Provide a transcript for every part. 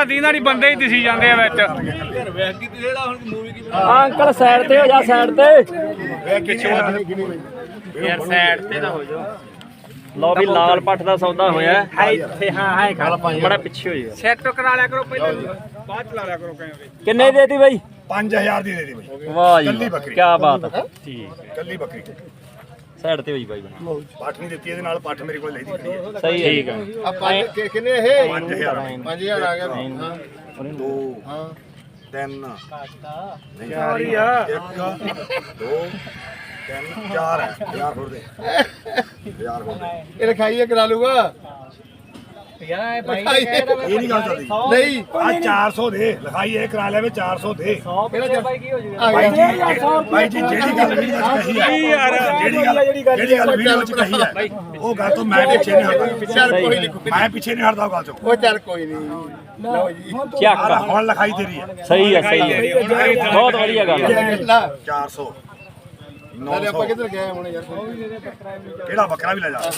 ਦੀਨਾਂ ਦੀ ਬੰਦੇ ਹੀ ਦਿਸੀ ਜਾਂਦੇ ਆ ਵਿੱਚ। ਅੰਕਲ ਸਾਈਡ ਤੇ ਹੋ ਜਾ, ਸਾਈਡ ਤੇ ਯਾਰ ਸਾਈਡ ਤੇ ਨਾ ਹੋ ਜਾ। ਲਓ ਵੀ ਲਾਲ ਪੱਟ ਦਾ ਸੌਦਾ ਹੋਇਆ ਹੈ ਇੱਥੇ। ਹਾਂ ਬੜਾ ਪਿੱਛੇ ਹੋ ਜਾ, ਸੈੱਟ ਕਰਾ ਲਿਆ ਕਰੋ ਪਹਿਲਾਂ, ਬਾਅਦ ਚ ਲਾ ਲਿਆ ਕਰੋ ਕਹਿੰਦੇ। ਕਿੰਨੇ ਦੀ ਦੇਤੀ ਬਾਈ? 5000 ਦੀ ਦੇ ਦੇ ਬਾਈ। ਵਾਹ ਜੀ ਕੱਲੀ ਬੱਕਰੀ। ਕੀ ਬਾਤ ਹੈ, ਠੀਕ ਕੱਲੀ ਬੱਕਰੀ ਸਾਈਡ ਤੇ ਹੋਈ ਬਾਈ। ਪੱਠ ਨਹੀਂ ਦਿੱਤੀ ਇਹਦੇ ਨਾਲ, ਪੱਠ ਮੇਰੇ ਕੋਲ ਲੈਦੀ ਖੜੀ ਹੈ। ਸਹੀ ਹੈ, ਠੀਕ ਹੈ। ਆਪਾਂ ਕਿੰਨੇ ਇਹ 5000 5000 ਆ ਗਿਆ। ਹਾਂ 2 3 ਚਾਰ ਹੀ ਆ। 1 2 3 4 ਹੈ। 1000 ਹੋਰ ਦੇ, 1000 ਹੋਰ ਦੇ। ਇਹ ਲਿਖਾਈਏ ਕਰਾ ਲੂਗਾ ਯਾਰ ਭਾਈ ਇਹ ਨਹੀਂ ਗੱਲ ਚੱਲਦੀ। ਨਹੀਂ ਆ 400 ਦੇ ਲਿਖਾਈ ਇਹ ਕਰਾ ਲਿਆ, 400 ਦੇ। 100 ਪਿੱਛੇ ਬਾਈ ਕੀ ਹੋ ਜੂਗਾ? ਭਾਈ ਜੀ ਜਿਹੜੀ ਗੱਲ ਵੀਡੀਓ ਵਿੱਚ ਕਹੀ ਹੈ, ਜਿਹੜੀ ਗੱਲ ਵੀਡੀਓ ਵਿੱਚ ਕਹੀ ਹੈ, ਉਹ ਗੱਲ ਤੋਂ ਮੈਂ ਪਿੱਛੇ ਨਹੀਂ ਹਟਦਾ। ਚੱਲ ਕੋਈ ਨਹੀਂ, ਮੈਂ ਪਿੱਛੇ ਨਹੀਂ ਹਟਦਾ ਉਹ ਗੱਲ ਤੋਂ। ਉਹ ਚੱਲ ਕੋਈ ਨਹੀਂ। ਲਓ ਜੀ ਚੱਕ ਹੁਣ ਲਿਖਾਈ ਤੇਰੀ ਹੈ। ਸਹੀ ਹੈ, ਸਹੀ ਹੈ, ਬਹੁਤ ਵਧੀਆ ਗੱਲ ਹੈ। 400 ਨਾਲੇ ਆਪਾਂ 900 ਕਿੱਧਰ ਗਏ ਹੁਣ ਯਾਰ? ਕਿਹੜਾ ਬੱਕਰਾ ਵੀ ਲੈ ਜਾ।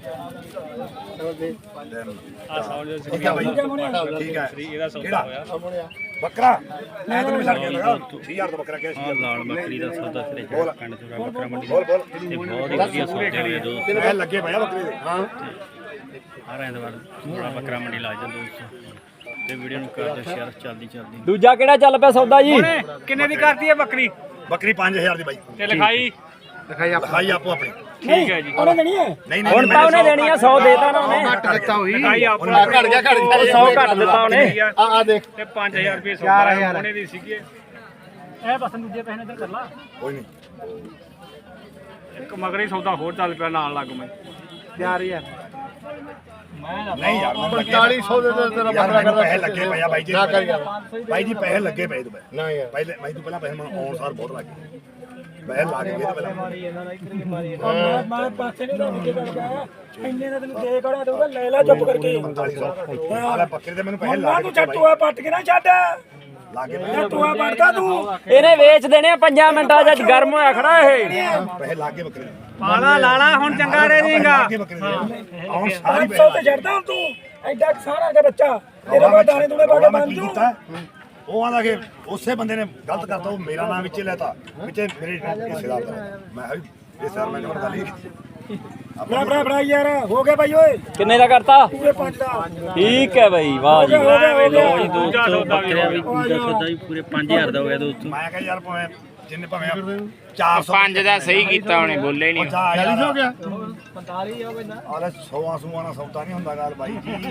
ਠੀਕ ਹੈ ਬਾਈ, ਠੀਕ ਹੈ। ਕਿਹੜਾ ਬੱਕਰਾ ਮੈਂ ਤੈਨੂੰ ਛੱਡ ਕੇ ਲਗਾ 3000 ਦਾ ਬੱਕਰਾ ਕਿਹਾ ਸੀ। ਲਾਲ ਬੱਕਰੀ ਦਾ ਸੌਦਾ ਸਿਰੇ ਪਿੰਡ ਚੋਂ ਬੱਕਰਾ ਮੰਡੀ ਬੋਲ ਬੋਲ ਤੇ ਬਹੁਤ ਹੀ ਵਧੀਆ ਸੌਦੇ ਹੋਏ ਦੋਸਤੋ। ਮੈਂ ਲੱਗੇ ਪਿਆ ਬੱਕਰੇ ਦੇ। ਹਾਂ ਹਰ ਐਤਵਾਰ ਬੜਾ ਬੱਕਰਾ ਮੰਡੀ ਲਾ ਜਾਂਦਾ ਦੋਸਤੋ, ਤੇ ਵੀਡੀਓ ਨੂੰ ਕਰ ਦਿਓ ਸ਼ੇਅਰ। ਚੱਲਦੀ ਦੂਜਾ ਕਿਹੜਾ ਚੱਲ ਪਿਆ ਸੌਦਾ ਜੀ? ਕਿੰਨੇ ਦੀ ਕਰਤੀ ਹੈ ਬੱਕਰੀ ਬੱਕਰੀ 5000 ਦੀ ਬਾਈ। ਤੇ ਲਿਖਾਈ? ਲਿਖਾਈ ਆਪੋ ਆਪਣੀ। ਠੀਕ ਹੈ ਜੀ। ਉਹਨੇ ਦੇਣੀ ਹੈ? ਨਹੀਂ ਹੁਣ ਤਾਂ ਉਹਨੇ ਦੇਣੀ ਆ, 100 ਦੇਤਾ ਨਾ ਉਹਨੇ। ਘੱਟ ਦਿੱਤਾ ਹੋਈ। ਲਿਖਾਈ ਆਪਣਾ ਘੱਟ ਗਿਆ 100 ਘੱਟ ਦਿੱਤਾ ਉਹਨੇ। ਆ ਦੇਖ ਤੇ 5000 ਰੁਪਏ ਸੌਦਾ ਉਹਨੇ ਦੀ ਸੀਗੇ। ਇਹ ਬਸ ਦੂਜੇ ਪੈਸੇ ਇੱਧਰ ਕਰ ਲਾ। ਕੋਈ ਨਹੀਂ। ਇੱਕ ਮਗਰੀ ਸੌਦਾ ਹੋਰ ਚੱਲ ਪਿਆ ਨਾਲ ਲੱਗ ਮੈਂ। 4000 ਨਹੀਂ ਯਾਰ 4500 ਦੇ ਤੇ ਤੇਰਾ ਯਾਰ ਬੱਕਰਾ ਮੈਨੂੰ ਕਰਦਾ। ਪੈਸੇ ਲੱਗੇ ਪਏ ਆ ਬਾਈ ਜੀ। ਨਾ ਕਰ ਯਾਰ। ਬਾਈ ਜੀ ਪੈਸੇ ਲੱਗੇ ਪਏ ਤੂੰ ਨਾ ਯਾਰ ਪਹਿਲੇ ਮੈਂ ਤੂੰ ਪਹਿਲਾਂ ਪੈਸੇ ਮੈਂ ਆਉਣ ਸਾਰ ਬਹੁਤ ਲੱਗ ਗਏ। ਪੈਸੇ ਲਾ ਕੇ ਗਏ ਤਾਂ ਪਹਿਲਾਂ ਮੈਂ ਪਾਸੇ ਨਹੀਂ ਰੋਕ ਕੇ ਕਰਦਾ ਇੰਨੇ ਦਾ ਤੈਨੂੰ ਦੇ ਕੜਾ ਦਊਗਾ, ਲੈ ਲੈ ਚੁੱਪ ਕਰਕੇ। 4500 ਆਲੇ ਬੱਕਰੇ ਤੇ ਮੈਨੂੰ ਪੈਸੇ ਲਾ ਮੰਨਾ ਕੇ ਤੂੰ ਛੱਟੂਆ ਪੱਟ ਕੇ ਨਾ ਛੱਡ, ਲਾ ਕੇ ਪਏ ਛੱਟੂਆ ਪੱਟਦਾ ਤੂੰ। ਇਹਨੇ ਵੇਚ ਦੇਣੇ ਆ 5 ਮਿੰਟਾਂ ਚ, ਗਰਮ ਹੋਇਆ ਖੜਾ ਇਹ। ਪੈਸੇ ਲਾ ਕੇ ਬੱਕਰੇ ਪਾਲਾ ਲਾਲਾ ਹੁਣ ਚੰਗਾ ਰਹਿ ਜਾਏਗਾ। ਲਾ ਕੇ ਬੱਕਰੇ ਦੇ ਆਉਣ ਸਾਰੀ 500 ਤੇ ਛੱਡਦਾ ਹੁਣ ਤੂੰ, ਐਡਾ ਸਾਰਾ ਦਾ ਬੱਚਾ ਤੇਰੇ ਕੋਲ ਦਾਣੇ ਦੂਣੇ ਪਾ ਕੇ ਬੰਦ ਤੂੰ। ਉਹ ਆਂਦਾ ਕਿ ਉਸੇ ਬੰਦੇ ਨੇ ਗਲਤ ਕਰਤਾ, ਉਹ ਮੇਰਾ ਨਾਮ ਵਿੱਚੇ ਲੈਤਾ, ਵਿੱਚੇ ਮੇਰੇ ਹਿੱਸੇਦਾਰ ਦਾ। ਮੈਂ ਕਿਹਾ ਵੀ ਇਹ ਸਰ ਮੈਂ ਗੱਲ ਗੱਲ ਹੀ ਬੜਾ ਯਾਰ ਹੋ ਗਿਆ ਬਾਈ ਓਏ। ਕਿੰਨੇ ਦਾ ਕਰਤਾ? ਪੂਰੇ 5 ਦਾ। ਠੀਕ ਹੈ ਬਾਈ, ਵਾਹ ਜੀ ਵਾਹ। ਲਓ ਜੀ ਦੋਸਤੋ, ਬੱਕਰਿਆਂ ਵੀ ਦੂਜਾ ਸੌਦਾ ਵੀ ਪੂਰੇ 5000 ਦਾ ਹੋ ਗਿਆ ਦੋਸਤੋ। ਮੈਂ ਕਿਹਾ ਯਾਰ ਭਾਵੇਂ ਜਿੰਨੇ ਭਾਵੇਂ 400 5 ਦਾ ਸਹੀ ਕੀਤਾ ਉਹਨੇ, ਬੋਲੇ ਹੀ ਨਹੀਂ। 40 ਹੋ ਗਿਆ 45 ਹੋ ਗਿਆ। ਆਲੇ 100 ਸੂਆਂ ਨਾਲ ਸੌਦਾ ਨਹੀਂ ਹੁੰਦਾ ਗੱਲ ਬਾਈ ਜੀ।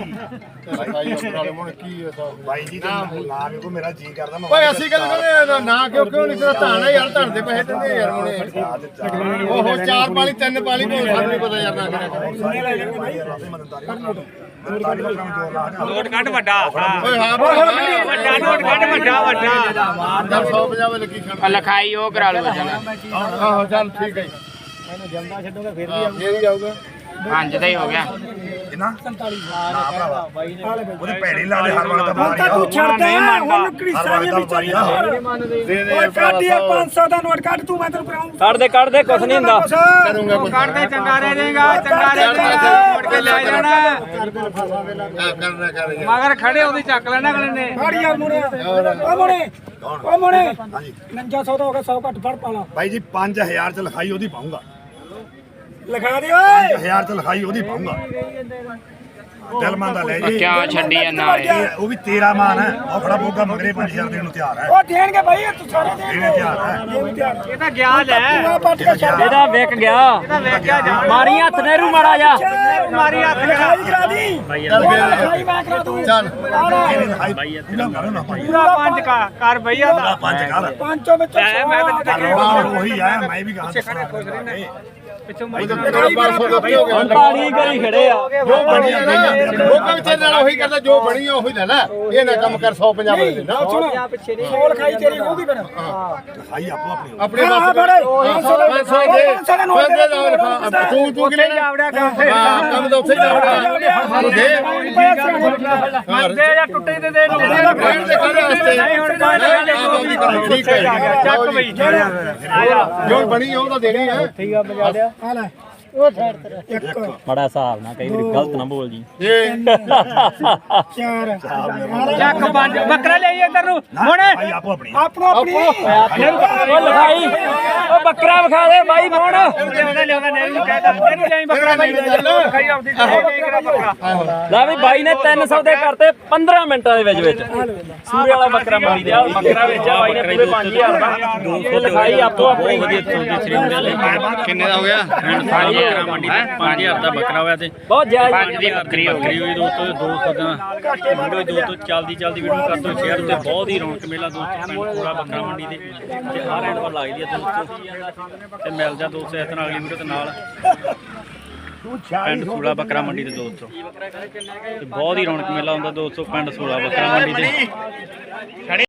ਕੀ ਹੈ ਬਾਈ ਜੀ ਤੇ ਲਾ ਕੇ ਕੋ ਮੇਰਾ ਜੀ ਕਰਦਾ ਮੈਂ ਓਏ ਅਸੀਂ ਗੱਲ ਕਰਦੇ ਨਾ ਕਿਉਂ ਨਹੀਂ ਤੇਰਾ ਧਾਣਾ ਯਾਰ, ਧਣ ਦੇ ਪੈਸੇ ਦਿੰਦੇ ਯਾਰ ਹੁਣੇ। ਉਹ 4 ਪਾਲੀ 3 ਪਾਲੀ ਕੋਈ ਸਾਨੂੰ ਨਹੀਂ ਪਤਾ ਯਾਰ ਨਾ ਨੋਟ ਕੱਢ ਵੱਡਾ। ਓਏ ਹਾਂ ਵੱਡਾ ਨੋਟ ਕੱਢ, ਵੱਡਾ ਵੱਡਾ। 150 ਲੱਗੀ ਖੜ ਲਿਖਾਈ ਉਹ ਕਰਾ ਲਓ। ਆਹੋ ਚੱਲ ਠੀਕ ਹੈ ਮੈਨੂੰ ਜੰਦਾ ਛੱਡੂਗਾ ਫਿਰ ਵੀ ਆਊਗਾ। 5 ਦਾ ਹੀ ਹੋ ਗਿਆ। ਕਿੰਨਾ 47 ਨਾ ਭਰਾਵਾ ਉਹਦੇ ਭੈੜੇ ਲਾ ਦੇ ਹਰ ਵਕਤ ਦਾ ਹੁਣ ਤਾਂ ਤੂੰ ਛੱਡਦਾ ਹੁਣ ਕ੍ਰਿਸਾ ਦੇ ਵਿੱਚ ਓਏ ਕੱਢ ਯਾਰ 500 ਦਾ ਨੋਟ ਕੱਢ ਤੂੰ, ਮੈਂ ਤੈਨੂੰ ਕਰਾਉਂ। ਕੱਢ ਦੇ ਕੁਛ ਨਹੀਂ ਹੁੰਦਾ। ਕਰੂੰਗਾ ਕੁਝ ਕੱਢਦੇ ਚੰਗਾ ਰਹਿ ਜਾਏਗਾ, ਚੰਗਾ ਰਹਿ ਜਾਏਗਾ। ਮੁੜ ਕੇ ਲੈ ਜਾਣਾ ਕਰਨਾ ਕਰ ਯਾਰ। ਮਗਰ ਖੜੇ ਉਹਦੀ ਚੱਕ ਲੈਣਾ ਅਗਲੇ ਨੇ। ਫੜ ਯਾਰ ਮੁੰਡੇ, ਓ ਮੁੰਡੇ, ਓ ਮੁੰਡੇ। ਹਾਂਜੀ 4900 ਦਾ ਹੋ ਗਿਆ, 100 ਘੱਟ ਫੜ ਪਾਲਾ। ਬਾਈ ਜੀ 5000 ਚ ਲਿਖਾਈ ਉਹਦੀ ਪਾਉਂਗਾ। ਲਿਖਾ ਦੇ ਓਏ। 5000 ਚ ਲਿਖਾਈ ਉਹਦੀ ਪਾਉਂਗਾ। ਦਿਲ ਮੰਨਦਾ ਲੈ ਜੀ। ਕਿਉਂ ਛੱਡੀ ਜਾਂਦਾ ਉਹ ਵੀ ਤੇਰਾ ਮਾਨ ਹੈ। ਉਹ ਖੜਾ ਬੋਗਾ ਮਗਰੇ 5000 ਦੇਣ ਨੂੰ ਤਿਆਰ ਹੈ। ਉਹ ਦੇਣਗੇ ਬਾਈ, ਤੂੰ ਸਾਰੇ ਦੇਣੇ ਤਿਆਰ ਹੈ। ਇਹ ਵੀ ਤਿਆਰ। ਇਹ ਤਾਂ ਗਿਆ ਲੈ। ਤੂੰ ਪੱਟ ਕੇ ਛੱਡ। ਇਹਦਾ ਵਿਕ ਗਿਆ। ਇਹਦਾ ਵੇਖ ਗਿਆ ਜਾ। ਮਾਰੀ ਹੱਥ ਨਹਿਰੂ ਮਾੜਾ ਜਾ। ਮਾਰੀ ਹੱਥ ਲਿਖਾਈ ਕਰਾ ਦੀ। ਚੱਲ ਫੇਰ ਲਿਖਾਈ ਮੈਂ ਕਰਾ ਦੂੰ। ਚੱਲ ਇਹਨੇ ਲਿਖਾਈ ਇਹਦਾ ਕਰੋ ਨਾ ਭਾਈ। ਪੂਰਾ 5 ਕਰ ਬਈਆ ਦਾ। 5 ਕਰ ਪੰਜੋਂ ਵਿੱਚ ਮੈਂ ਤਾਂ ਰੌਲਾ ਉਹੀ ਆ, ਮੈਂ ਵੀ ਕਹਾਂ ਪਿੱਛੋਂ ਹੁਣ ਪਾਣੀ ਕਰੀ ਖੜੇ ਆ। ਜੋ ਬਣੀ ਲੋਕਾਂ ਵਿੱਚ ਨਾਲ ਉਹੀ ਕਰਦਾ, ਜੋ ਬਣੀ ਆ ਉਹੀ ਲੈ ਲੈ। ਇਹ ਨਾ ਕੰਮ ਕਰ 150 ਵਾਲੇ ਦੇ ਨਾ ਸੁਣ ਪਿੱਛੇ ਨਹੀਂ। 100 ਲਿਖਾਈ ਤੇਰੀ ਹੋਊਗੀ ਫਿਰ। ਲਿਖਾਈ ਆਪੋ ਆਪਣੀ ਆਪਣੇ ਹਾਂ, ਪਾਸ ਫੜੇ। 500 ਦੇ ਤੂੰ ਕਿ ਲੈਣਾ ਜਾਵੜਿਆ ਕੰਮ ਫੇਰ। ਹਾਂ ਕੰਮ ਤਾਂ ਉੱਥੇ ਜਾਵੜਿਆ ਦੇ ਮੰਦੇ ਜਾਂ ਟੁੱਟੇ ਦੇ ਦੇ ਨੂੰ। ਬ੍ਰਾਂਡ ਦੇ ਕਾਹਦੇ ਵਾਸਤੇ ਨਹੀਂ ਹੁਣ ਕੋਈ ਠੀਕ ਹੈ ਚੱਕ ਬਈ। ਜੋ ਬਣੀ ਆ ਉਹ ਤਾਂ ਦੇਣੀ ਹੈ। ਠੀਕ ਆ ਬਜਾ ਲਿਆ। ਆ ਲੈ ਬੜਾ ਹਿਸਾਬ ਨਾਲ ਕਈ ਵਾਰੀ ਗਲਤ ਨਾ ਬੋਲ ਜੀ ਚੱਕ ਪੰਜ ਬੱਕਰਾ ਲਈ ਇੱਧਰ ਨੂੰ ਹੁਣ ਭਾਈ ਆਪੋ ਆਪਣੀ ਉਹ ਲਿਖਾਈ ਉਹ ਬੱਕਰਾ ਵਿਖਾ ਦੇ ਬਾਈ ਮੋਹਣ ਲਿਆਉਂਦਾ ਨਹੀਂ ਕਹਿੰਦਾ ਇਹਨੂੰ ਲਈ ਬੱਕਰਾ ਬਾਈ ਖਾਈ ਆਉਂਦੀ ਬੱਕਰਾ ਲੈ ਵੀ ਬਾਈ ਨੇ 300 ਦੇ ਕਰਤੇ 15 ਮਿੰਟਾਂ ਦੇ ਵਿੱਚ ਸੂਰੇ ਵਾਲਾ ਬੱਕਰਾ ਮੰਡੀ ਦੇ ਬੱਕਰਾ ਵੇਚਿਆ ਬਾਈ ਨੇ ਪੂਰੇ 5000 ਦਾ ਇਹ ਲਿਖਾਈ ਆਪੋ ਆਪਣੀ ਕਿੰਨੇ ਦਾ ਹੋ ਗਿਆ ਬੱਕਰਾ ਮੰਡੀ ਦੇ 5000 ਦਾ ਬੱਕਰਾ ਹੋਇਆ ਤੇ ਬਹੁਤ ਜਾਇਜ਼ ਦੀ ਬੱਕਰੀ ਹੋਈ ਦੋਸਤੋ 200 ਦਾ ਵੀਡੀਓ ਦੋਸਤੋ ਚੱਲਦੀ ਵੀਡੀਓ ਕਰ ਦੋ ਸ਼ੇਅਰ ਤੇ ਬਹੁਤ ਹੀ ਰੌਣਕ ਮੇਲਾ ਦੋਸਤੋ ਪੂਰਾ ਬੱਕਰਾ ਮੰਡੀ ਦੇ ਤੇ ਹਰ ਐਂਡ ਪਰ ਲੱਗਦੀ ਹੈ ਦੋਸਤੋ ਤੇ ਮਿਲ ਜਾ ਦੋਸਤੋ ਇਸ ਤਰ੍ਹਾਂ ਅਗਲੀ ਵੀਡੀਓ ਦੇ ਨਾਲ ਪਿੰਡ ਸੂਲਾ ਬੱਕਰਾ ਮੰਡੀ ਦੇ ਦੋਸਤੋ ਤੇ ਬਹੁਤ ਹੀ ਰੌਣਕ ਮੇਲਾ ਹੁੰਦਾ ਦੋਸਤੋ ਪਿੰਡ ਸੂਲਾ ਬੱਕਰਾ ਮੰਡੀ ਦੇ